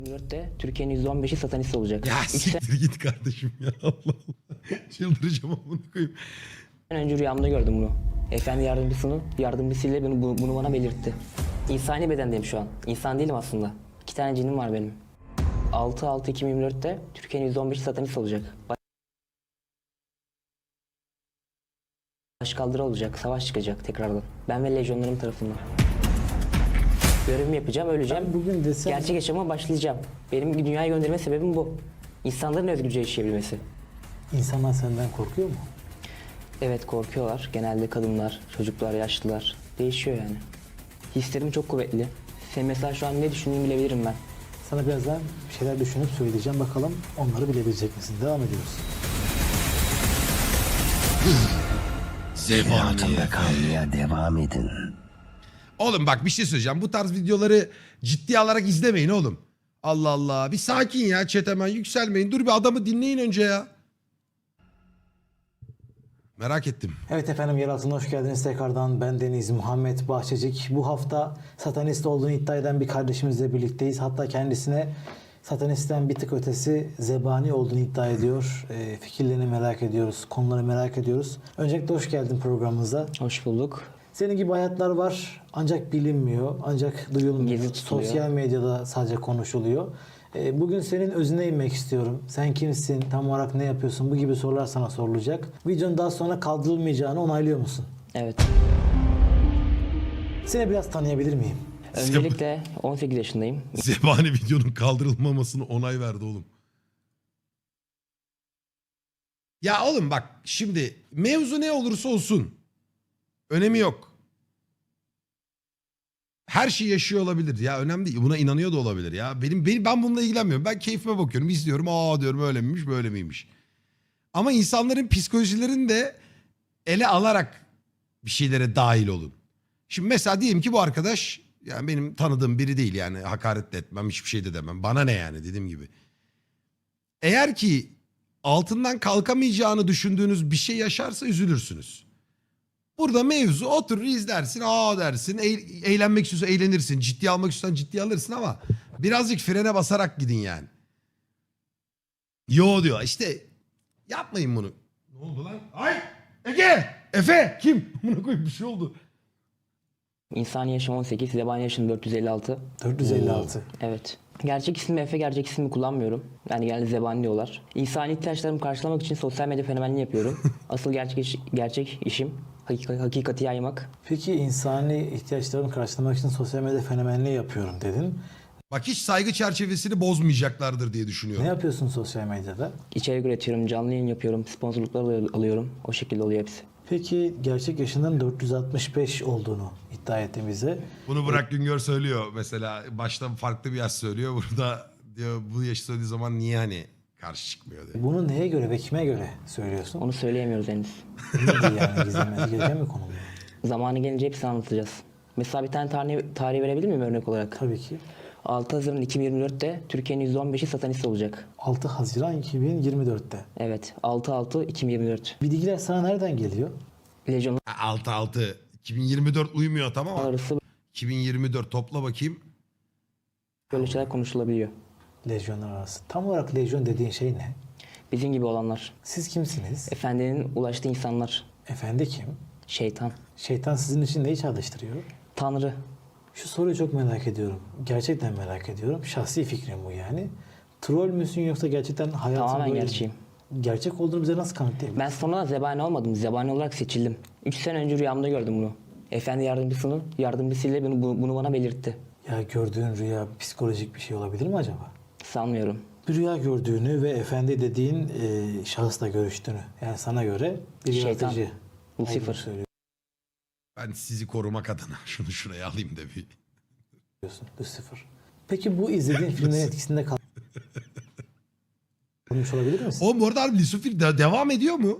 2024'te Türkiye'nin %15'i satanist olacak. Ya 3 siktir git kardeşim ya. Allah Allah. Çıldıracağım amına koyayım. sene önce rüyamda gördüm bunu. Efendi yardımcısıyla bunu bana belirtti. İnsani bedendeyim şu an. İnsan değilim aslında. 2 tane cinim var benim. 6-6-2024'te Türkiye'nin %15'i satanist olacak. Başkaldırı olacak, savaş çıkacak tekrardan. Ben ve lejyonlarım tarafından. Görevimi yapacağım, öleceğim. Ben bugün desem... Gerçek yaşama başlayacağım. Benim dünyaya gönderme sebebim bu. İnsanların özgürce yaşayabilmesi. İnsanlar senden korkuyor mu? Evet, korkuyorlar. Genelde kadınlar, çocuklar, yaşlılar. Değişiyor yani. Hislerim çok kuvvetli. Sen mesela şu an ne düşündüğünü bilebilirim ben. Sana birazdan bir şeyler düşünüp söyleyeceğim. Bakalım onları bilebilecek misin? Devam ediyoruz. Hayatımda kalmaya devam edin. Oğlum bak bir şey söyleyeceğim. Bu tarz videoları ciddiye alarak izlemeyin oğlum. Allah Allah. Bir sakin ya chat, hemen yükselmeyin. Dur bir adamı dinleyin önce ya. Merak ettim. Evet efendim, yer altına hoş geldiniz tekrardan. Ben Deniz Muhammed Bahçecik. Bu hafta satanist olduğunu iddia eden bir kardeşimizle birlikteyiz. Hatta kendisine satanistten bir tık ötesi zebani olduğunu iddia ediyor. Fikirlerini merak ediyoruz, konuları merak ediyoruz. Öncelikle hoş geldin programımıza. Hoş bulduk. Senin gibi hayatlar var ancak bilinmiyor, ancak duyulmuyor. Gizli tutuluyor. Sosyal medyada sadece konuşuluyor. Bugün senin özüne inmek istiyorum. Sen kimsin, tam olarak ne yapıyorsun, bu gibi sorular sana sorulacak. Videonun daha sonra kaldırılmayacağını onaylıyor musun? Evet. Seni biraz tanıyabilir miyim? Öncelikle 18 yaşındayım. Zebani videonun kaldırılmamasını onay verdi oğlum. Ya oğlum bak şimdi mevzu ne olursa olsun önemi yok. Her şey yaşıyor olabilir ya, önemli değil. Buna inanıyor da olabilir ya. Ben bununla ilgilenmiyorum. Ben keyfime bakıyorum, izliyorum. Aa diyorum, öyle miymiş, böyle miymiş. Ama insanların psikolojilerini de ele alarak bir şeylere dahil olun. Şimdi mesela diyelim ki bu arkadaş, yani benim tanıdığım biri değil, yani hakaret de etmem, hiçbir şey de demem. Bana ne yani, dediğim gibi. Eğer ki altından kalkamayacağını düşündüğünüz bir şey yaşarsa üzülürsünüz. Burada mevzu oturur izlersin, aa dersin, eğlenmek istiyorsan eğlenirsin, ciddiye almak istiyorsan ciddiye alırsın ama birazcık frene basarak gidin yani. Yo diyor işte, yapmayın bunu. Ne oldu lan? Ay Ege! Efe! Kim? Buna koyup bir şey oldu. İnsani yaşım 18, zebani yaşım 456. 456. Evet. Gerçek ismi Efe, gerçek ismimi kullanmıyorum. Yani genelde zebani diyorlar. İnsani ihtiyaçlarımı karşılamak için sosyal medya fenomenliği yapıyorum. Asıl gerçek işim hakikati yaymak. Peki insani ihtiyaçlarımı karşılamak için sosyal medya fenomenliği yapıyorum dedin. Bak hiç saygı çerçevesini bozmayacaklardır diye düşünüyorum. Ne yapıyorsun sosyal medyada? İçerik üretiyorum, canlı yayın yapıyorum, sponsorluklar alıyorum. O şekilde oluyor hepsi. Peki gerçek yaşının 465 olduğunu iddia ettin bize. Bunu Burak Güngör söylüyor mesela. Başta farklı bir yaş söylüyor. Burada diyor bu yaşı söylediği zaman niye hani karşı çıkmıyor diyor. Bunu neye göre ve kime göre söylüyorsun? Onu söyleyemiyoruz henüz. Nedir yani, gizlemesi gereken bir konu mu? Zamanı gelince hepsini anlatacağız. Mesela bir tane tarih verebilir miyim örnek olarak? Tabii ki. 6 Haziran 2024'te Türkiye'nin %15'i satanist olacak. 6 Haziran 2024'te. Evet, 6-6-2024. Bilgiler sana nereden geliyor? Lejyonlar 6-6. 2024 uymuyor tamam ama. arası 2024 topla bakayım. böyle şeyler konuşulabiliyor. Lejyonlar arası. Tam olarak lejyon dediğin şey ne? Bizim gibi olanlar. Siz kimsiniz? Efendinin ulaştığı insanlar. Efendi kim? Şeytan. Şeytan sizin için neyi çalıştırıyor? Tanrı. Şu soruyu çok merak ediyorum. Gerçekten merak ediyorum. Şahsi fikrim bu yani. Troll müsün yoksa gerçekten hayatın Tamamen böyle mi? gerçeğim. Gerçek olduğunu bize nasıl kanıtlayabilirsin? Ben sonradan zebani olmadım. Zebani olarak seçildim. 3 sene önce rüyamda gördüm bunu. Efendi yardımcısıyla bunu bana belirtti. Ya gördüğün rüya psikolojik bir şey olabilir mi acaba? Sanmıyorum. Bir rüya gördüğünü ve efendi dediğin şahısla görüştüğünü. Yani sana göre bir Şeytan. yaratıcı Lucifer. olduğunu söylüyorsun. Ben sizi korumak adına şunu şuraya alayım da bir. Lucifer. Peki bu izlediğin filmlerin etkisinde kalmış olabilir misin? Oğlum bu arada harbi Lucifer devam ediyor mu?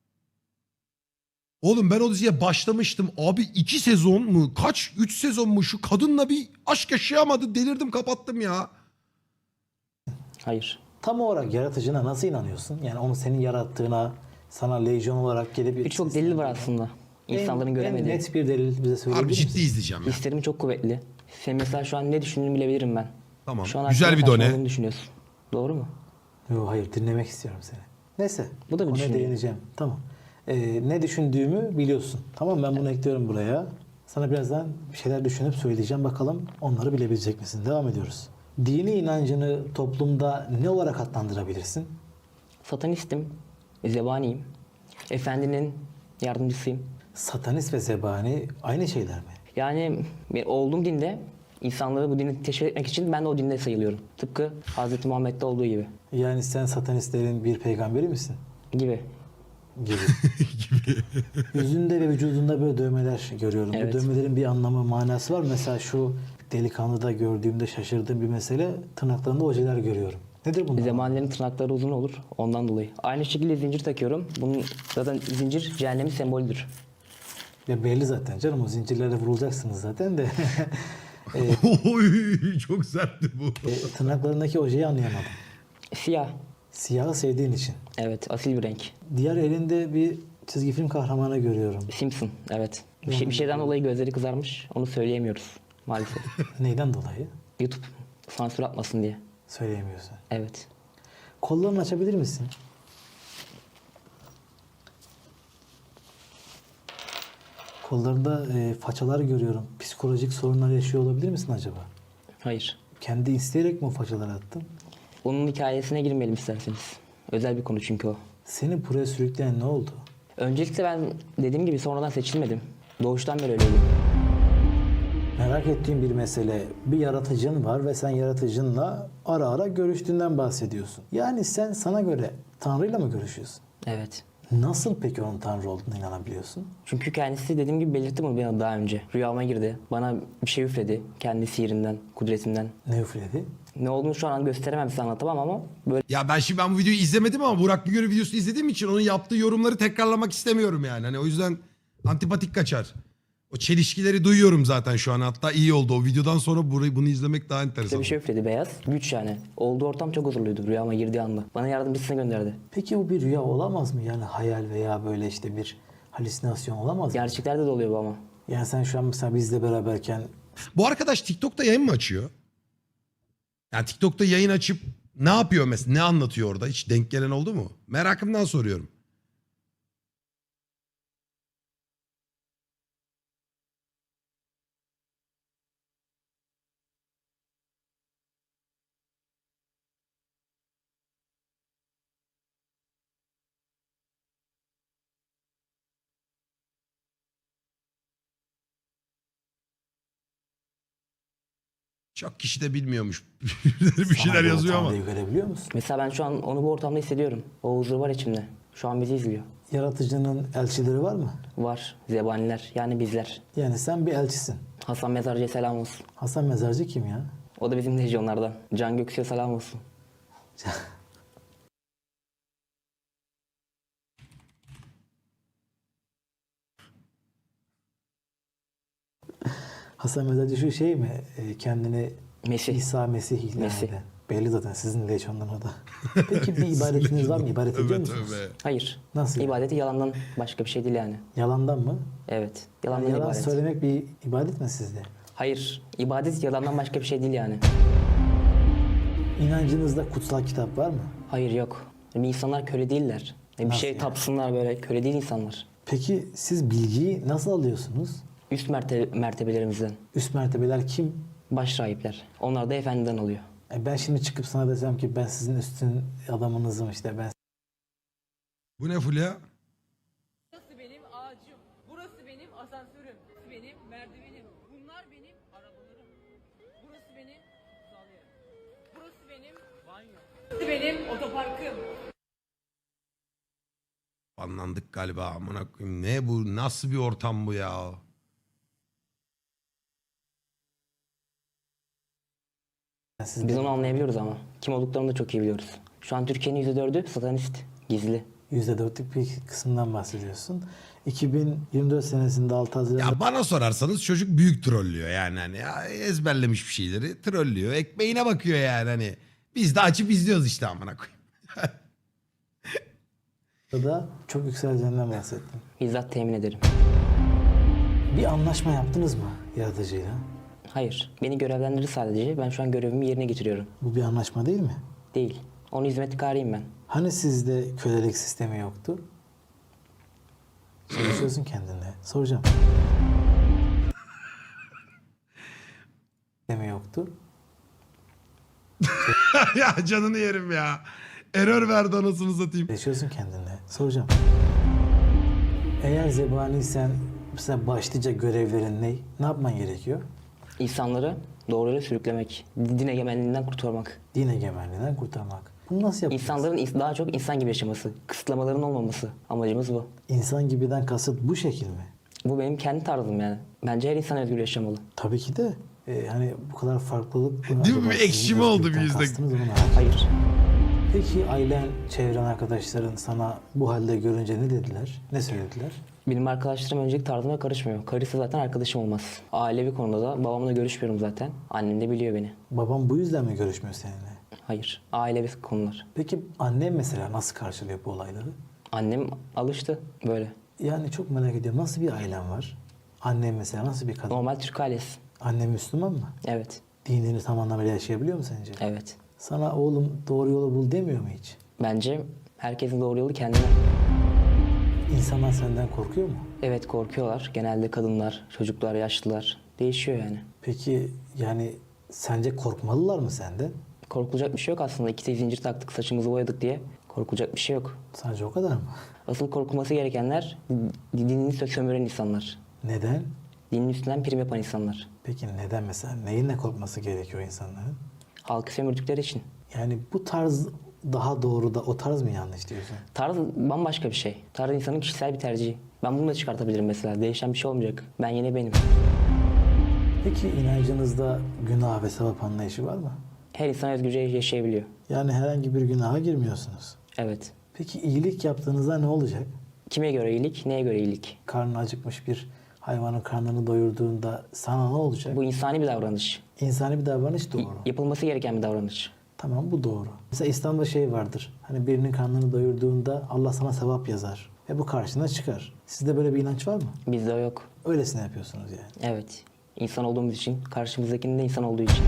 Oğlum ben o diziye başlamıştım. Abi 2 sezon mu? Kaç? 3 sezon mu? Şu kadınla bir aşk yaşayamadı. Delirdim, kapattım ya. Hayır. Tam olarak yaratıcına nasıl inanıyorsun? Yani onu senin yarattığına, sana lejyon olarak gelip... Birçok delil var aslında. İnsanların göremediği. En net bir delil bize söyleyebilir Harbi misin? ciddi izleyeceğim ya. Hislerim çok kuvvetli. Sen mesela şu an ne düşündüğünü bilebilirim ben. Tamam. Şu an Güzel hakkında bir done. saçmaladığımı düşünüyorsun. Doğru mu? Yok hayır, dinlemek istiyorum seni. Neyse. Bu da bir konuya düşünce. değineceğim. Tamam. Ne düşündüğümü biliyorsun. Tamam, ben bunu ekliyorum buraya. Sana birazdan bir şeyler düşünüp söyleyeceğim. Bakalım onları bilebilecek misin? Devam ediyoruz. Dini inancını toplumda ne olarak adlandırabilirsin? Satanistim, zebaniyim. Efendinin yardımcısıyım. Satanist ve zebani aynı şeyler mi? Yani olduğum dinde insanları bu dini teşvik etmek için ben de o dinde sayılıyorum. Tıpkı Hz. Muhammed'de olduğu gibi. Yani sen satanistlerin bir peygamberi misin? Gibi. Gibi. Yüzünde ve vücudunda böyle dövmeler görüyorum. Evet. Bu dövmelerin bir anlamı, manası var. Mesela şu delikanlıda gördüğümde şaşırdığım bir mesele, tırnaklarında ojeler görüyorum. Nedir bunlar? Zebanilerin tırnakları uzun olur ondan dolayı. Aynı şekilde zincir takıyorum. Bunun zaten zincir cehennemin sembolüdür. Ya belli zaten canım, o zincirlerle vurulacaksınız zaten de. Oy, çok sertti bu. Tırnaklarındaki ojeyi anlayamadım. Siyah. Siyahı sevdiğin için. Evet, asil bir renk. Diğer elinde bir çizgi film kahramanı görüyorum. Simpson, evet. Bir şeyden dolayı gözleri kızarmış. Onu söyleyemiyoruz maalesef. Neyden dolayı? YouTube sansür atmasın diye. Söyleyemiyorsun. Evet. Kollarını açabilir misin? Kollarında façalar görüyorum. Psikolojik sorunlar yaşıyor olabilir misin acaba? Hayır. Kendi isteyerek mi o façaları attın? Onun hikayesine girmeyelim isterseniz. Özel bir konu çünkü o. Seni buraya sürükleyen ne oldu? Öncelikle ben dediğim gibi sonradan seçilmedim. Doğuştan beri öyleydim. Merak ettiğim bir mesele. Bir yaratıcın var ve sen yaratıcınla ara ara görüştüğünden bahsediyorsun. Yani sen sana göre Tanrı'yla mı görüşüyorsun? Evet. Nasıl peki onun Tanrı olduğuna inanabiliyorsun? Çünkü kendisi dediğim gibi belirtti bunu bana daha önce. Rüyama girdi. Bana bir şey üfledi. Kendi sihirinden, kudretinden. Ne üfledi? Ne olduğunu şu an gösteremem, size anlatamam ama böyle Ya ben bu videoyu izlemedim ama Burak Güngör'ün videosunu izlediğim için onun yaptığı yorumları tekrarlamak istemiyorum yani. Hani o yüzden antipatik kaçar. O çelişkileri duyuyorum zaten şu an. Hatta iyi oldu. O videodan sonra bunu izlemek daha enteresan. bir şey üfledi beyaz. Güç yani. Olduğu ortam çok huzurluydu rüyama girdiği anda. Bana yardımcısını gönderdi. Peki bu bir rüya olamaz mı? Yani hayal veya böyle işte bir halüsinasyon olamaz mı? Gerçeklerde de oluyor bu ama. Yani sen şu an mesela bizle beraberken Bu arkadaş TikTok'ta yayın mı açıyor? Yani TikTok'ta yayın açıp ne yapıyor mesela? Ne anlatıyor orada? Hiç denk gelen oldu mu? Merakımdan soruyorum. Çok kişi de bilmiyormuş. Bir şeyler sana göre yazıyor ama. Tanrı'yı görebiliyor musun? Mesela ben şu an onu bu ortamda hissediyorum. O huzur var içimde. Şu an bizi izliyor. Yaratıcının elçileri var mı? Var. Zebaniler. Yani bizler. Yani sen bir elçisin. Hasan Mezarcı'ya selam olsun. Hasan Mezarcı kim ya? O da bizim lejyonlardan. Can Göksu'ya selam olsun. Hasan Mezarcı şu şey mi? Kendini Mesih. İsa Mesih ilan Mesih. eden. Belli zaten sizin lejyondan o da. Peki bir ibadetiniz var mı? İbadet ediyor Tövbe musunuz? tövbe. Hayır. Nasıl? İbadeti yalandan başka bir şey değil yani. Yalandan mı? Evet. Yani Yalandan yalan ibadet. söylemek bir ibadet mi sizde? Hayır. İbadet yalandan başka bir şey değil yani. İnancınızda kutsal kitap var mı? Hayır yok. Yani insanlar köle değiller. Bir Nasıl şey yani? tapsınlar böyle. Köle değil insanlar. Peki siz bilgiyi nasıl alıyorsunuz? Üst mertebelerimizden. Üst mertebeler kim? Baş rahipler. Onlar da efendiden alıyor. Ben şimdi çıkıp sana desem ki ben sizin üstün adamınızım, işte ben Bu ne Fulya? Burası benim ağacım. Burası benim asansörüm. Burası benim merdivenim. Bunlar benim arabalarım. Burası benim kutsal yerim. Burası benim banyo. Burası benim otoparkım. Banlandık galiba. Amına koyayım. Ne bu? Nasıl bir ortam bu ya? siz Biz onu anlayabiliyoruz ama. Kim olduklarını da çok iyi biliyoruz. Şu an Türkiye'nin %4'ü satanist. Gizli. %4'lük bir kısımdan bahsediyorsun. 2024 senesinde 6 Haziran Ya bana sorarsanız çocuk büyük trollüyor yani hani ya ezberlemiş bir şeyleri trollüyor. Ekmeğine bakıyor yani hani. Biz de açıp izliyoruz işte amına koyayım. da çok yükseleceğinden bahsettim. Bizzat temin ederim. Bir anlaşma yaptınız mı yaratıcıyla? Hayır. Beni görevlendirir sadece. Ben şu an görevimi yerine getiriyorum. Bu bir anlaşma değil mi? Değil. Onun hizmetkarıyım ben. Hani sizde kölelik sistemi yoktu? Çalışıyorsun kendine. Soracağım. Sistemi yoktu. Ya canını yerim ya. Error verdi anasını satayım. Çalışıyorsun kendine. Soracağım. Eğer zebaniysen mesela başlıca görevlerin ne? Ne yapman gerekiyor? İnsanları doğru yola sürüklemek. Din egemenliğinden kurtarmak. Din egemenliğinden kurtarmak. Bunu nasıl yapacaksın? İnsanların daha çok insan gibi yaşaması. Kısıtlamaların olmaması. Amacımız bu. İnsan gibiden kasıt bu şekil mi? Bu benim kendi tarzım yani. Bence her insan özgür yaşamalı. Tabii ki de. Hani bu kadar farklılık... Değil mi? acaba Bir sizin ekşime oldu özgürlükten bir yüzde. kastınız onu merak ediyorum. Hayır. Peki ailen, çevren arkadaşların sana bu halde görünce ne dediler? Ne söylediler? Benim arkadaşlarım öncelik tarzıma karışmıyor. Karısı zaten arkadaşım olmaz. Ailevi konuda da babamla görüşmüyorum zaten. Annem de biliyor beni. Babam bu yüzden mi görüşmüyor seninle? Hayır. Ailevi konular. Peki annem mesela nasıl karşılıyor bu olayları? Annem alıştı böyle. Yani çok merak ediyorum. Nasıl bir ailen var? Annem mesela nasıl bir kadın? Normal Türk ailesi. Annem Müslüman mı? Evet. Dinini tam anlamıyla yaşayabiliyor mu sence? Evet. Sana oğlum doğru yolu bul demiyor mu hiç? Bence herkesin doğru yolu kendine. İnsanlar senden korkuyor mu? Evet korkuyorlar. Genelde kadınlar, çocuklar, yaşlılar. Değişiyor yani. Peki yani sence korkmalılar mı senden? Korkulacak bir şey yok aslında. İki zincir taktık, saçımızı boyadık diye. Korkulacak bir şey yok. Sadece o kadar mı? Asıl korkulması gerekenler dinini sömüren insanlar. Neden? Dinin üstünden prim yapan insanlar. Peki neden mesela? Neyinle korkması gerekiyor insanların? Halkı sömürdükleri için. Yani bu tarz daha doğru da o tarz mı yanlış diyorsun? Tarz bambaşka bir şey. Tarz insanın kişisel bir tercihi. Ben bunu da çıkartabilirim mesela. Değişen bir şey olmayacak. Ben yine benim. Peki inancınızda günah ve sevap anlayışı var mı? Her insan özgürce yaşayabiliyor. Yani herhangi bir günaha girmiyorsunuz. Evet. Peki iyilik yaptığınızda ne olacak? Kime göre iyilik, neye göre iyilik? Karnı acıkmış bir hayvanın karnını doyurduğunda sana ne olacak? Bu insani bir davranış. İnsani bir davranış doğru. Yapılması gereken bir davranış. Tamam bu doğru. Mesela İslam'da şey vardır. Hani birinin karnını doyurduğunda Allah sana sevap yazar. Ve bu karşına çıkar. Sizde böyle bir inanç var mı? Bizde o yok. Öylesine yapıyorsunuz yani. Evet. İnsan olduğumuz için, karşımızdakinin de insan olduğu için.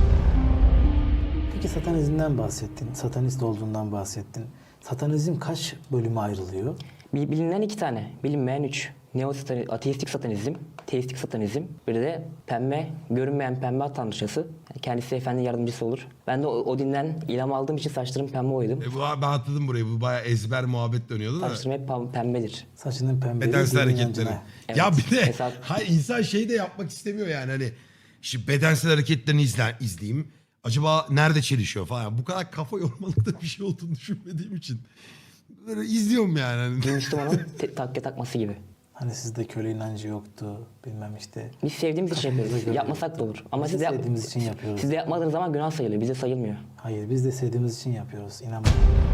Peki satanizmden bahsettin. Satanist olduğundan bahsettin. Satanizm kaç bölüme ayrılıyor? Bilinen 2 tane, bilinmeyen 3. Ateistik satanizm, teistik satanizm. Bir de pembe, görünmeyen pembe tanrıçası. Yani kendisi efendi yardımcısı olur. Ben de o dinden ilham aldığım için saçlarım pembe boyadım. Ben atladım burayı. Bu bayağı ezber muhabbet dönüyordu da. Saçlarım hep pembedir. Saçının pembeliği Bedensel dinin hareketleri. inancına. Evet. Ya bir de Mesela- hayır, insan şey de yapmak istemiyor yani hani şimdi bedensel hareketlerini izleyeyim. Acaba nerede çelişiyor falan. Bu kadar kafa yormalıkta bir şey olduğunu düşünmediğim için. Böyle izliyorum yani. Hani. Bir Müslümanın takke takması gibi. Hani sizde köle inancı yoktu. Bilmem işte. Biz sevdiğimiz için Kafamıza yapıyoruz. göre. Yapmasak da olur. Ama Biz de siz de, sevdiğimiz için yapıyoruz. siz de yapmadığınız zaman günah sayılıyor. Bize sayılmıyor. Hayır biz de sevdiğimiz için yapıyoruz. İnanma.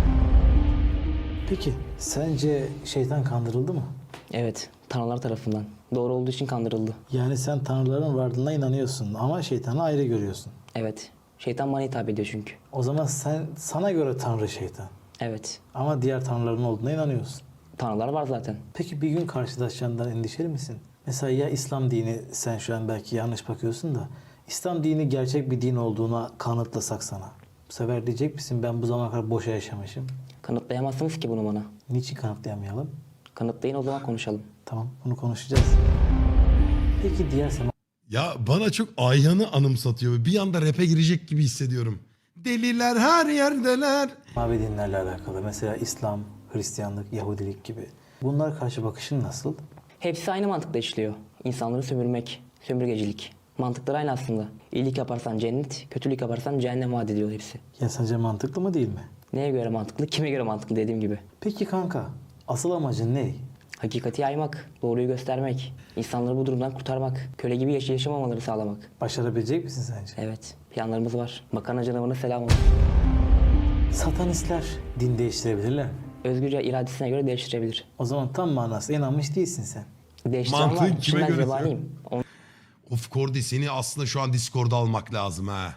Peki sence şeytan kandırıldı mı? Evet, tanrılar tarafından. Doğru olduğu için kandırıldı. Yani sen tanrıların varlığına inanıyorsun ama şeytanı ayrı görüyorsun. Evet. Şeytan bana hitap ediyor çünkü. O zaman sana göre tanrı şeytan. Evet. Ama diğer tanrıların olduğuna inanıyorsun. Tanrılar var zaten. Peki bir gün karşılaşacağından endişeli misin? Mesela ya İslam dini, sen şu an belki yanlış bakıyorsun da İslam dini gerçek bir din olduğuna kanıtlasak sana. Bu sefer diyecek misin ben bu zamana kadar boşa yaşamışım? Kanıtlayamazsınız ki bunu bana. Niçin kanıtlayamayalım? Kanıtlayın o zaman konuşalım. Tamam bunu konuşacağız. Peki diğer Ya bana çok Ayhan'ı anımsatıyor. Bir anda rap'e girecek gibi hissediyorum. Deliler her yerdeler. semavi dinlerle alakalı mesela İslam, Hristiyanlık, Yahudilik gibi. Bunlara karşı bakışın nasıl? Hepsi aynı mantıkla işliyor. İnsanları sömürmek, sömürgecilik. Mantıkları aynı aslında. İyilik yaparsan cennet, kötülük yaparsan cehennem vaat ediyor hepsi. Ya sence mantıklı mı değil mi? Neye göre mantıklı, kime göre mantıklı dediğim gibi. Peki kanka asıl amacın ne? Hakikati yaymak, doğruyu göstermek, insanları bu durumdan kurtarmak, köle gibi yaşamamaları sağlamak. Başarabilecek misin sence? Evet, planlarımız var. Makarna canavarına selam olsun. Satanistler din değiştirebilirler mi? Özgürce iradesine göre değiştirebilir. O zaman tam manasıyla inanmış değilsin sen. Değiştiren Mantığın var. kime Şimdi ben göre zebaniyim. Of Kordi seni aslında şu an Discord'da almak lazım ha.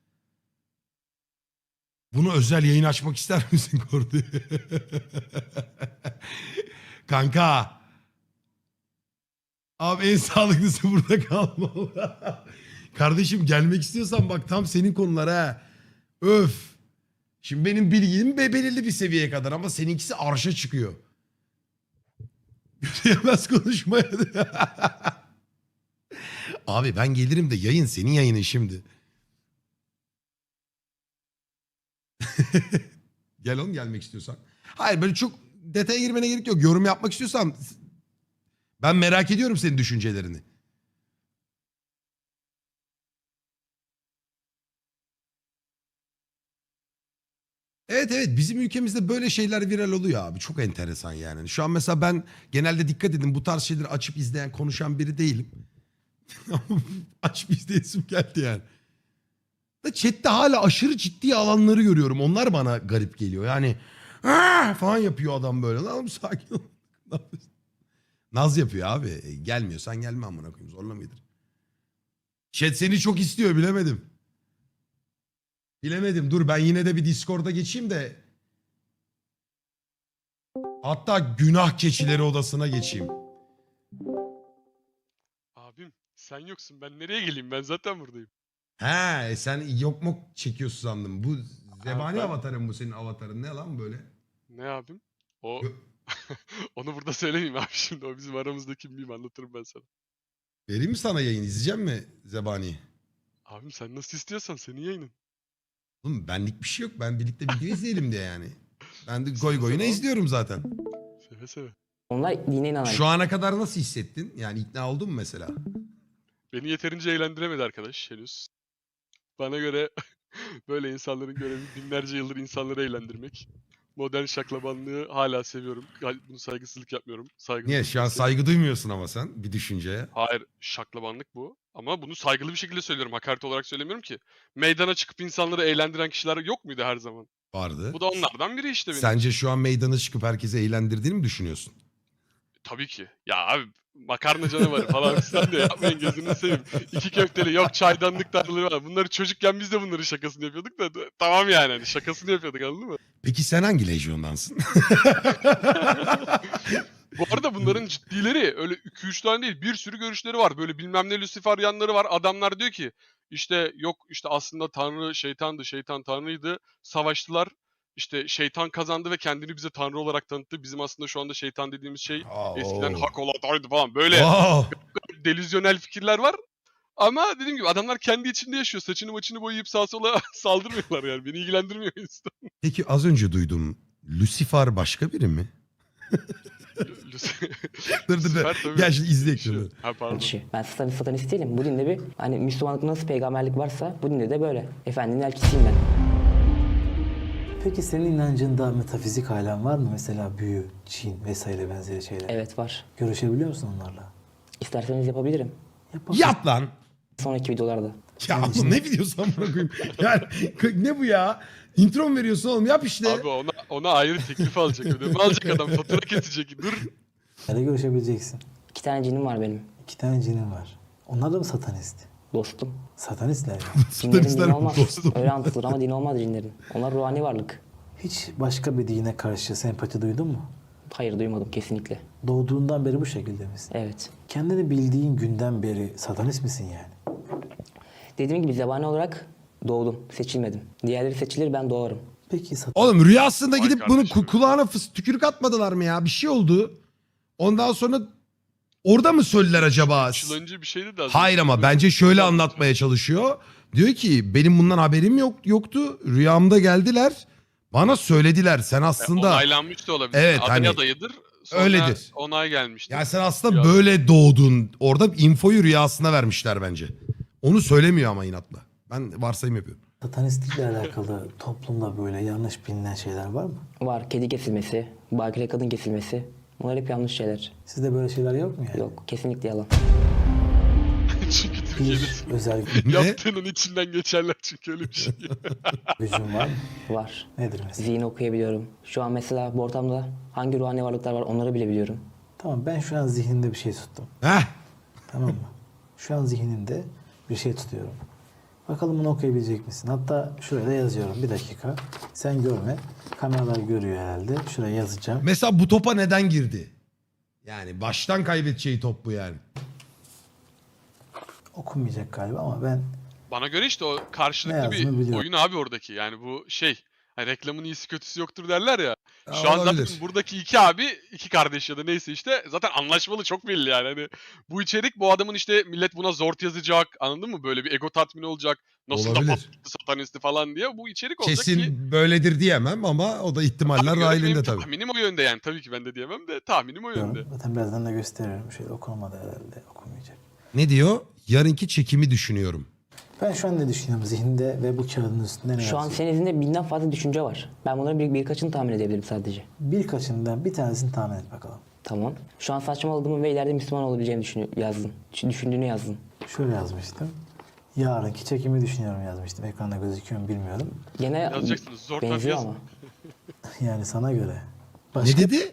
Bunu özel yayın açmak ister misin Kordi? Kanka. Abi en sağlıklısı burada kalmalı. Kardeşim gelmek istiyorsan bak tam senin konular ha. Öf. Şimdi benim bilgim belirli bir seviyeye kadar ama seninkisi arşa çıkıyor. Yemez konuşmaya. Abi ben gelirim de yayın senin yayının şimdi. Gel oğlum gelmek istiyorsan. Hayır böyle çok detaya girmene gerek yok. Yorum yapmak istiyorsan ben merak ediyorum senin düşüncelerini. Evet evet bizim ülkemizde böyle şeyler viral oluyor abi. Çok enteresan yani. Şu an mesela ben genelde dikkat edin bu tarz şeyleri açıp izleyen konuşan biri değilim. Açıp izleyesim geldi yani. Da chatte hala aşırı ciddi alanları görüyorum. Onlar bana garip geliyor. Yani "Aa!" falan yapıyor adam böyle. Lan oğlum sakin ol. Naz yapıyor abi. Gelmiyorsan gelme amına koyayım. Zorla mıdır? Chat seni çok istiyor bilemedim. Bilemedim. Dur ben yine de bir Discord'a geçeyim de. Hatta günah keçileri odasına geçeyim. Abim sen yoksun ben nereye geleyim ben zaten buradayım. He sen yok mu çekiyorsun sandım. Bu zebani ben- avatarın bu senin avatarın ne lan böyle? Ne abim? O Yo- onu burada söylemeyeyim abi şimdi o bizim aramızdaki miyim anlatırım ben sana. Vereyim mi sana yayın izleyecek mi zebani? Abim sen nasıl istiyorsan senin yayının. Oğlum benlik bir şey yok. Ben birlikte video izleyelim diye yani. Ben de goy Seve goyuna seve. izliyorum zaten. Seve seve. Onlar dine inanan. Şu ana kadar nasıl hissettin? Yani ikna oldun mu mesela? Beni yeterince eğlendiremedi arkadaş henüz. Bana göre böyle insanların görevi binlerce yıldır insanları eğlendirmek. Modern şaklabanlığı hala seviyorum. Bunu saygısızlık yapmıyorum. Saygı Niye? Şu an saygı duymuyorsun ama sen bir düşünceye. Hayır, şaklabanlık bu. Ama bunu saygılı bir şekilde söylüyorum. Hakaret olarak söylemiyorum ki. Meydana çıkıp insanları eğlendiren kişiler yok muydu her zaman? Vardı. Bu da onlardan biri işte benim. Sence şu an meydana çıkıp herkese eğlendirdiğini mi düşünüyorsun? Tabii ki. Ya abi makarna canavarı falan sen de yapmayın gözünü seveyim. İki köfteli yok çaydanlık tatlıları var. Bunları çocukken biz de bunların şakasını yapıyorduk da tamam yani hani şakasını yapıyorduk anladın mı? Peki sen hangi lejyondansın? Bu arada bunların ciddileri öyle 2-3 tane değil bir sürü görüşleri var. Böyle bilmem ne Luciferyanları var. Adamlar diyor ki işte yok işte aslında Tanrı şeytandı, şeytan Tanrıydı. Savaştılar. İşte şeytan kazandı ve kendini bize Tanrı olarak tanıttı. Bizim aslında şu anda şeytan dediğimiz şey eskiden Oo. hak oladaydı falan. Böyle Wow. delüzyonel fikirler var. Ama dediğim gibi adamlar kendi içinde yaşıyor. Saçını maçını boyayıp sağa sola saldırmıyorlar yani. Beni ilgilendirmiyor insan. Peki az önce duydum. Lucifer başka biri mi? Dur. Lucifer tabii. Gel şimdi izle ekranı. Yaşıyor. Ha pardon. Kişi. Ben satanist değilim. Bu dinde bir hani Müslümanlık nasıl peygamberlik varsa bu dinde de böyle. Efendinin elçisiyim ben. Peki senin inancında metafizik alem var mı? Mesela büyü, cin vesaire benzeri şeyler. Evet var. Görüşebiliyor musun onlarla? İsterseniz yapabilirim. Yapalım. Yap lan. Sonraki videolarda. Ya bu ne videosu amına koyayım? Yani ne bu ya? Intro mu veriyorsun oğlum? Yap işte. Abi ona ayrı teklif alacak. Ödeme alacak adam. Fatura kesecek. Dur. Nerede görüşebileceksin? 2 tane cinim var benim. 2 tane cinin var. Onlar da mı satanist? Dostum. Satanistler mi? Cinlerin Satanistler dini mi olmaz. dostum? Öyle anlatılır ama dini olmaz cinlerin. Onlar ruhani varlık. Hiç başka bir dine karşı sempati duydun mu? Hayır duymadım kesinlikle. Doğduğundan beri bu şekilde misin? Evet. Kendini bildiğin günden beri satanist misin yani? Dediğim gibi zebani olarak doğdum. Seçilmedim. Diğerleri seçilir ben doğarım. Peki Oğlum rüyasında Vay gidip bunu kardeşim. kulağına tükürük atmadılar mı ya? Bir şey oldu. Ondan sonra orada mı söylediler acaba? 3 yıl önce bir şeydi de. Hayır ama bence şöyle anlatmaya çalışıyor. Diyor ki benim bundan haberim yoktu. Rüyamda geldiler. Bana söylediler. Sen aslında Onaylanmış da olabilir. Evet, Aday hani adayıdır. Sonra öyledir. onay gelmiştir. ya sen aslında Rüya- böyle doğdun. Orada infoyu rüyasına vermişler bence. Onu söylemiyor ama inatla. Ben varsayım yapıyorum. satanistlikle alakalı toplumda böyle yanlış bilinen şeyler var mı? Var kedi kesilmesi, bakire kadın kesilmesi. Bunlar hep yanlış şeyler. Sizde böyle şeyler yok mu yani? Yok kesinlikle yalan. Çünkü Türkiye'de Bir özel Ne? yaptığının içinden geçerler çünkü öyle bir şey. gücün var mı? Var. Nedir mesela? Zihin okuyabiliyorum. Şu an mesela bu ortamda hangi ruhani varlıklar var onları bile biliyorum. Tamam ben şu an zihnimde bir şey tuttum. Heh. Tamam mı? Şu an zihnimde bir şey tutuyorum. Bakalım bunu okuyabilecek misin? Hatta şuraya da yazıyorum. Bir dakika. Sen görme. Kameralar görüyor herhalde. Şuraya yazacağım. Mesela bu topa neden girdi? Yani baştan kaybedeceği top bu yani. Okunmayacak galiba ama ben Bana göre işte o Ne karşılıklı yazdığını bir biliyorum. oyun abi oradaki. Yani bu şey, hani reklamın iyisi kötüsü yoktur derler ya. Ya Şu an zaten olabilir. buradaki iki abi, iki kardeş ya da neyse işte zaten anlaşmalı, çok belli yani. Hani bu içerik, bu adamın işte millet buna zort yazacak, anladın mı? Böyle bir ego tatmini olacak. Nasıl da Olabilir. patlattı satanisti falan diye bu içerik olacak ki Kesin böyledir diyemem ama o da ihtimaller bana göre benim dahilinde tabii. tahminim o yönde yani. Tabii ki ben de diyemem de tahminim o yönde. diyorum. Zaten birazdan da gösteriyorum. Şöyle okunmadı herhalde. Okunmayacak. Ne diyor? Yarınki çekimi düşünüyorum. Ben şu an ne düşünüyorum zihninde ve bu kağıdın üstünde ne Şu an yazıyor? senin izinde binden fazla düşünce var. Ben bunların birkaçını tahmin edebilirim sadece. Birkaçından bir tanesini tahmin et bakalım. Tamam. Şu an saçmaladığımı ve ileride Müslüman olabileceğimi yazdın. Düşündüğünü yazdın. Şöyle yazmıştım. Yarınki çekimi düşünüyorum yazmıştım. Ekranda gözüküyor mu bilmiyorum. Gene Yazacaksınız. Zor benziyor yazın. ama. Yani sana göre. Ne dedi?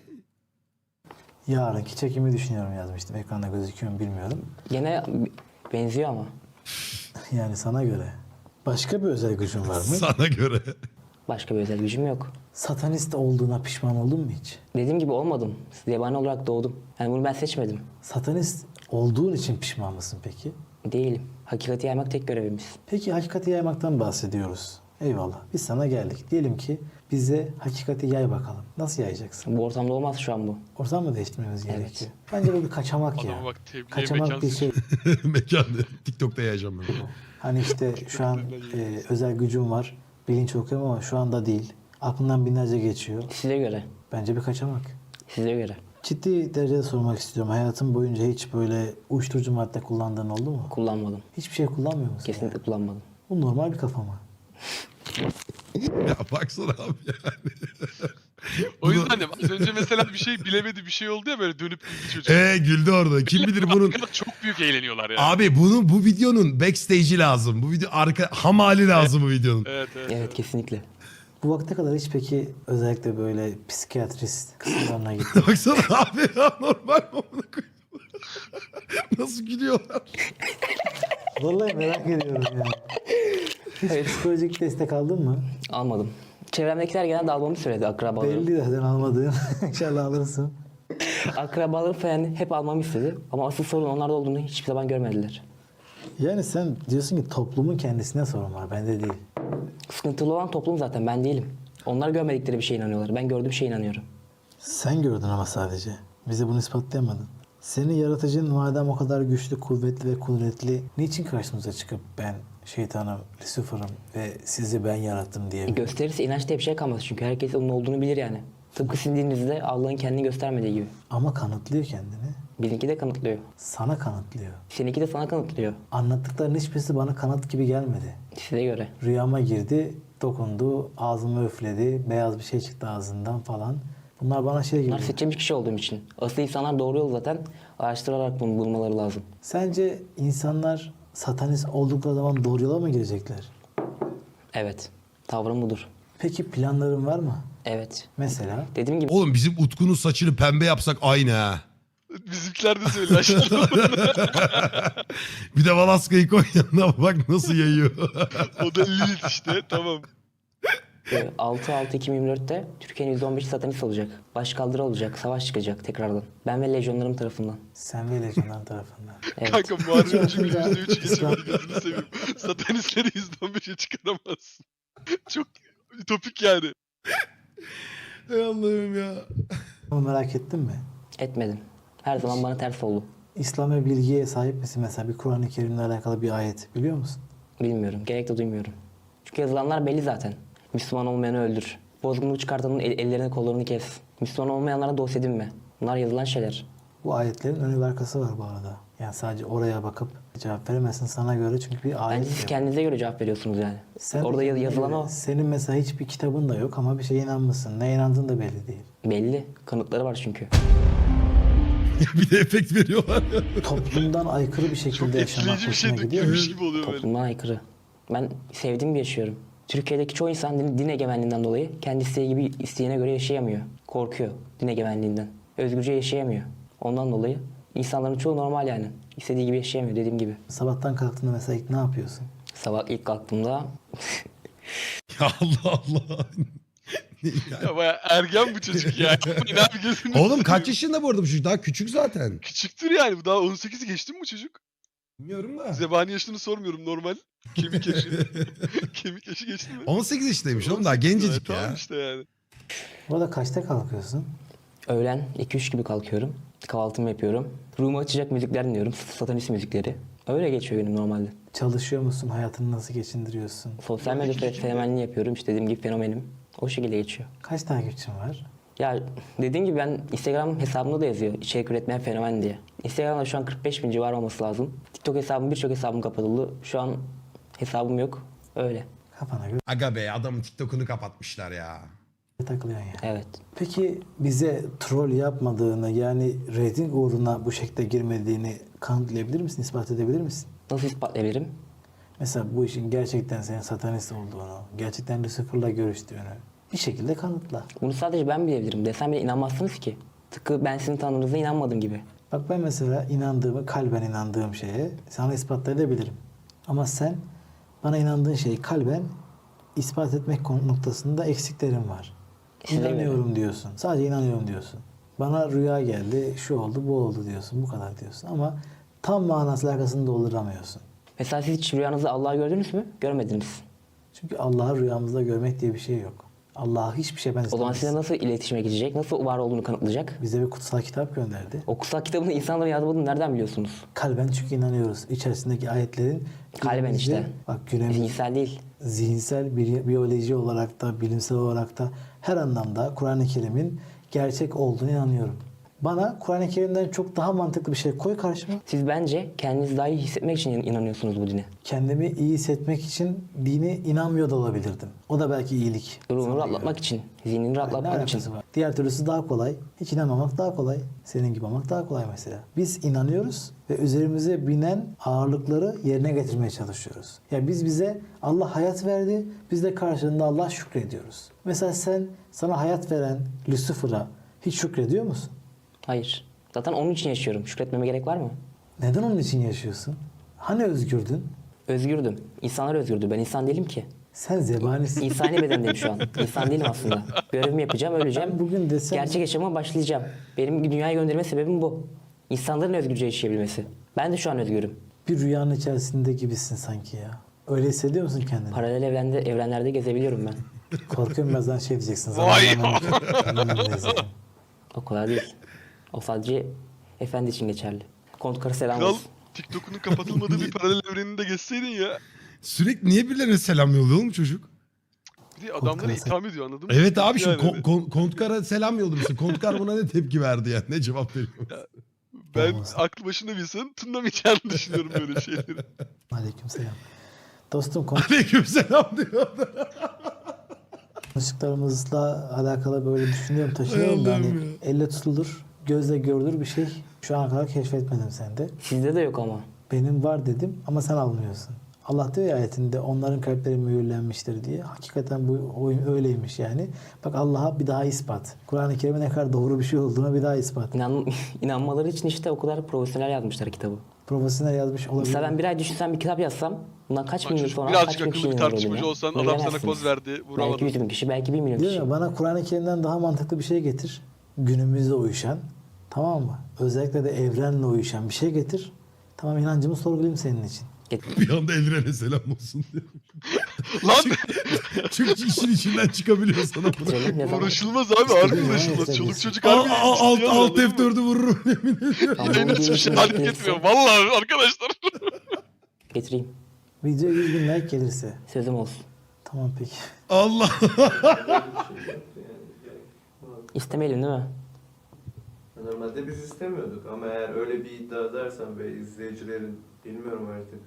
Yarınki çekimi düşünüyorum yazmıştım. Ekranda gözüküyor mu bilmiyorum. Gene benziyor ama. Yani sana göre. Başka bir özel gücün var mı? Sana göre. Başka bir özel gücüm yok. Satanist olduğuna pişman oldun mu hiç? Dediğim gibi olmadım. Zebani olarak doğdum. Yani bunu ben seçmedim. Satanist olduğun için pişman mısın peki? Değilim. Hakikati yaymak tek görevimiz. Peki hakikati yaymaktan bahsediyoruz. Eyvallah. Biz sana geldik. Diyelim ki bize hakikati yay bakalım. Nasıl yayacaksın? Bu ortamda olmaz şu an bu. Ortam mı değiştirmemiz gerekiyor? Bence bu bir kaçamak ya. Adama bak, tebliğe Kaçamak bir mekansız. şey. Mekan. TikTok'ta yayacağım ben. Hani işte şu an özel gücüm var. Bilinç okuyorum ama şu anda değil. Aklından binlerce geçiyor. Size göre. Bence bir kaçamak. Size göre. Ciddi derecede sormak istiyorum. Hayatın boyunca hiç böyle uyuşturucu madde kullandığın oldu mu? Kullanmadım. Hiçbir şey kullanmıyor musun? Kesinlikle kullanmadım. Bu normal bir kafa mı? Ya baksana abi yani. O yüzden de az önce mesela bir şey bilemedi, bir şey oldu ya, böyle dönüp güldü çocuk. Güldü orada. Kim bilir bunun... Arkada çok büyük eğleniyorlar yani. Abi bu videonun backstage'i lazım. Bu video ham hali lazım bu videonun. Evet. Evet kesinlikle. Bu vakte kadar hiç peki özellikle böyle psikiyatrist kısımlarına gittin? Baksana abi ya, normal mi amına koyayım? Nasıl gülüyorlar? Vallahi merak ediyorum yani. Hiç psikolojik destek aldın mı? Almadım. Çevremdekiler genelde almamı söyledi akrabalarım. Belli zaten almadığın. İnşallah alırsın. Akrabalarım falan hep almamı istedi. Ama asıl sorun onlarda olduğunu hiçbir zaman görmediler. Yani sen diyorsun ki toplumun kendisine sorun var. Bende değil. Sıkıntılı olan toplum zaten ben değilim. Onlar görmedikleri bir şeye inanıyorlar. Ben gördüğüm şeye inanıyorum. Sen gördün ama sadece. Bize bunu ispatlayamadın. Senin yaratıcın madem o kadar güçlü, kuvvetli ve kudretli, niçin karşımıza çıkıp ben şeytanım, Lucifer'ım ve sizi ben yarattım diye? Gösterirse inanç diye bir şey kalmaz çünkü herkes onun olduğunu bilir yani. Tıpkı sizin dininizde Allah'ın kendini göstermediği gibi. Ama kanıtlıyor kendini. Bizimki de kanıtlıyor. Sana kanıtlıyor. Seninki de sana kanıtlıyor. Anlattıkların hiçbirisi bana kanıt gibi gelmedi. Size göre. Rüyama girdi, dokundu, ağzımı üfledi, beyaz bir şey çıktı ağzından falan. Bunlar bana şey Bunlar geliyor. seçilmiş kişi olduğum için. Asıl insanlar doğru yolu zaten araştırarak bunu bulmaları lazım. Sence insanlar satanist oldukları zaman doğru yola mı girecekler? Evet. Tavrım budur. Peki planların var mı? Evet. Mesela Dediğim gibi Oğlum bizim Utku'nun saçını pembe yapsak aynı ha. Bizimkiler de söyledi aşağıda. Bir de Valaska'yı koy yanına, bak nasıl yayıyor. O da Lilith işte, tamam. 6-6-2024'te Türkiye'nin %15'i satanist olacak. Başkaldırı olacak. Savaş çıkacak tekrardan. Ben ve lejyonlarım tarafından. sen ve lejyonların tarafından. Evet. Kanka Muharrem çünkü Yakında %3 İslam- geçemedi, gözünü seveyim. Satanistleri %15'e çıkaramazsın. Çok ütopik yani. Ey Allah'ım ya. Ama merak ettin mi? Etmedim. Her zaman bana ters oldu. İslam ve bilgiye sahip misin? Mesela bir Kur'an-ı Kerim'le alakalı bir ayet biliyor musun? Bilmiyorum. Gerek de duymuyorum. Çünkü yazılanlar belli zaten. Müslüman olmayanı öldür. Bozgunluk çıkartanın ellerini kollarını kes. Müslüman olmayanlara dost edinme. Bunlar yazılan şeyler. Bu ayetlerin önü ve arkası var bu arada. Yani sadece oraya bakıp cevap veremezsin sana göre çünkü bir ayet Bence siz yok. kendinize göre cevap veriyorsunuz yani. Sen Orada yazılan o. Senin mesela hiçbir kitabın da yok ama bir şeye inanmışsın. Ne inandığın da belli değil. Belli. Kanıtları var çünkü. Bir de efekt veriyorlar. Toplumdan aykırı bir Çok şekilde yaşamak etkileyici bir şey hoşuna gidiyor mu? dökülmüş gibi oluyor böyle. Toplumdan aykırı. Ben sevdiğim gibi yaşıyorum. Türkiye'deki çoğu insan din egemenliğinden dolayı kendi isteği gibi isteğine göre yaşayamıyor. Korkuyor din egemenliğinden. Özgürce yaşayamıyor. Ondan dolayı insanların çoğu normal yani. İstediği gibi yaşayamıyor dediğim gibi. Sabahtan kalktığında mesela ilk ne yapıyorsun? Sabah ilk kalktığımda Ya Allah Allah. Ne yani? Ya baya ergen bu çocuk ya. Yapmayın abi, gözünü Oğlum seveyim. kaç yaşında bu arada bu çocuk? Daha küçük zaten. Küçüktür yani, bu daha 18'i geçti mi bu çocuk? Bilmiyorum da. Zebani yaşını sormuyorum normal. Kemik yaşı. Kemik yaşı geçti mi? 18 yaşındaymış oğlum daha 18 gencecik Tamam ya. işte yani. Bu arada kaçta kalkıyorsun? Öğlen 2-3 gibi kalkıyorum. Kahvaltımı yapıyorum. Ruhumu açacak müzikler dinliyorum. Satanist müzikleri. Öyle geçiyor günüm normalde. Çalışıyor musun? Hayatını nasıl geçindiriyorsun? Sosyal medya fenomenliği yapıyorum. İşte dediğim gibi fenomenim. O şekilde geçiyor. Kaç takipçin var? Ya dediğim gibi ben Instagram hesabımda da yazıyor içerik üretmeyen fenomen diye. Instagram'da şu an 45 bin civarı olması lazım. TikTok hesabım birçok hesabım kapatıldı. Şu an hesabım yok. Öyle. Kafana göre Aga be adamın TikTok'unu kapatmışlar ya. takılıyorsun ya. Evet. Peki bize troll yapmadığını yani reyting uğruna bu şekilde girmediğini kanıtlayabilir misin? İspat edebilir misin? Nasıl ispatlayabilirim? Mesela bu işin gerçekten senin satanist olduğunu, gerçekten Lucifer'la görüştüğünü bir şekilde kanıtla. Bunu sadece ben bilebilirim. Desem bile inanmazsınız ki. Tıpkı ben sizin tanrınıza inanmadım gibi. Bak ben mesela inandığımı, kalben inandığım şeye sana ispatlayabilirim. Ama sen bana inandığın şeyi kalben ispat etmek noktasında eksiklerin var. Size İnanıyorum diyorsun. Sadece inanıyorum diyorsun. Bana rüya geldi, şu oldu, bu oldu diyorsun. Bu kadar diyorsun. Ama tam manasıyla arkasını dolduramıyorsun. Mesela siz hiç rüyanızda Allah'ı gördünüz mü? Görmediniz. Çünkü Allah'ı rüyamızda görmek diye bir şey yok. Allah'a hiçbir şey O zaman benzetemez. size nasıl iletişime geçecek? Nasıl var olduğunu kanıtlayacak? Bize bir kutsal kitap gönderdi. O kutsal kitabını insanların yazmadığını nereden biliyorsunuz? Kalben çünkü inanıyoruz. İçerisindeki ayetlerin Kalben günümüzde- işte. Bak günümüz Zihinsel değil. zihinsel, biyoloji olarak da, bilimsel olarak da her anlamda Kur'an-ı Kerim'in gerçek olduğunu inanıyorum. Bana Kur'an-ı Kerim'den çok daha mantıklı bir şey koy karşıma. Siz bence kendinizi daha iyi hissetmek için inanıyorsunuz bu dine. Kendimi iyi hissetmek için dine inanmıyor da olabilirdim. O da belki iyilik. Ruhunu Sana rahatlatmak göre. için, zihnini Ne rahatlatmak için. alakası var? Diğer türlüsü daha kolay. Hiç inanmamak daha kolay. Senin gibi olmak daha kolay mesela. Biz inanıyoruz ve üzerimize binen ağırlıkları yerine getirmeye çalışıyoruz. Ya biz bize Allah hayat verdi, biz de karşılığında Allah şükrediyoruz. Mesela sen sana hayat veren Lucifer'a hiç şükrediyor musun? Hayır. Zaten onun için yaşıyorum. Şükretmeme gerek var mı? Neden onun için yaşıyorsun? Hani özgürdün? Özgürdüm. İnsanlar özgürdü. Ben insan değilim ki. Sen zebanisin. İnsani bedendeyim şu an. İnsan değilim aslında. Görevimi yapacağım, öleceğim. Ben bugün desem- Gerçek yaşama başlayacağım. Benim dünyaya gönderme sebebim bu. İnsanların özgürce yaşayabilmesi. Ben de şu an özgürüm. Bir rüyanın içerisinde gibisin sanki ya. Öyle hissediyor musun kendini? Paralel evrenlerde gezebiliyorum ben. Korkuyorum birazdan şey diyeceksin. Vay! Zamanla izledim. O kadar değil. O sadece efendi için geçerli. Kontkara selam Kral olsun. TikTok'unun kapatılmadığı bir paralel evreninde geçseydin ya. Sürekli niye birilerine selam yolluyor oğlum çocuk? Bir de adamları Kontkara itham ediyor anladın mı? Evet abi şimdi Yani Kontkar'a selam yollamışsın. Kontkar buna ne tepki verdi yani? Ne cevap veriyor? ben Olmaz. aklı başında bir insanın tınlamayacağını düşünüyorum böyle şeyleri. Aleykümselam. Dostum Aleykümselam diyor. konuştuklarımızla alakalı böyle düşünüyorum, taşıyorum da Hay hani Allah'ım ya. elle tutulur, gözle görülür bir şey şu ana kadar keşfetmedim sende. Sizde de yok ama. Benim var dedim ama sen almıyorsun. Allah diyor ya ayetinde onların kalpleri mühürlenmiştir diye. Hakikaten bu oyun öyleymiş yani. Bak Allah'a bir daha ispat. Kur'an-ı Kerim'e ne kadar doğru bir şey olduğuna bir daha ispat. İnanmaları için işte o kadar profesyonel yazmışlar kitabı. Profesyonel yazmış olabilir. Mesela ben bir ay düşünsem bir kitap yazsam bundan kaç Lan bin yıl çocuk sonra birazcık kaç bin kişi akıllı bir inanır tartışmacı olduğuna. olsan Bunu adam sana bilemezsiniz. poz verdi. Belki Vuramadın. 100 bin kişi, belki 1 milyon Diyor kişi. ya bana Kur'an-ı Kerim'den daha mantıklı bir şey getir. Günümüzde uyuşan. Tamam mı? Özellikle de evrenle uyuşan bir şey getir. Tamam inancımı sorgulayayım senin için. Bir anda Elren'e selam olsun diyor. Lan Çünkü işin içinden çıkabiliyor sana bunu. Getirelim, ne zaman? uğraşılmaz abi harbi İstediğin uğraşılmaz. zaman Çoluk istediğin. çocuk harbi Alt ciddiye alıyor, anladın mı? F4'ü vururum yemin ediyorum. Tamam, Yayın bu hiçbir şey videoyu halik gelirse etmiyor. Vallahi arkadaşlar. Getireyim. Video 100 bin like gelirse. Sözüm olsun. Tamam peki. Allah. İstemeyelim değil mi? Normalde biz istemiyorduk ama eğer öyle bir iddia edersen ve izleyicilerin bilmiyorum artık.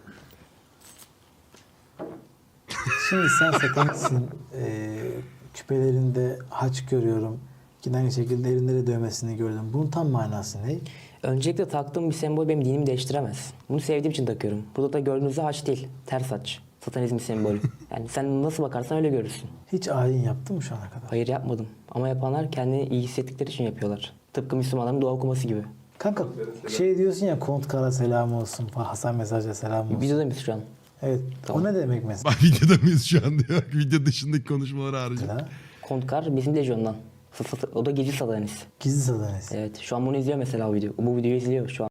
Şimdi sen satanistsin. Küpelerinde haç görüyorum. Yine aynı şekilde elinde dövmesini gördüm. Bunun tam manası ne? Öncelikle taktığım bir sembol benim dinimi değiştiremez. Bunu sevdiğim için takıyorum. Burada da gördüğünüzde haç değil, ters haç. Satanizm sembolü. Yani sen nasıl bakarsan öyle görürsün. Hiç ayin yaptın mı şu ana kadar? Hayır yapmadım. Ama yapanlar kendini iyi hissettikleri için yapıyorlar. Tıpkı Müslümanların dua okuması gibi. Kanka şey diyorsun ya Kontkara selam olsun. Hasan Mesaj'a selam olsun. Videoda mıyız şu an? Evet. Tamam. O ne demek mesela? Bak videoda mıyız şu an diyor. Video dışındaki konuşmaları harici. Kontkar bizim lejyondan. O da gizli satanist. Gizli satanist. Evet. Şu an bunu izliyor mesela o video. Bu videoyu izliyor şu an.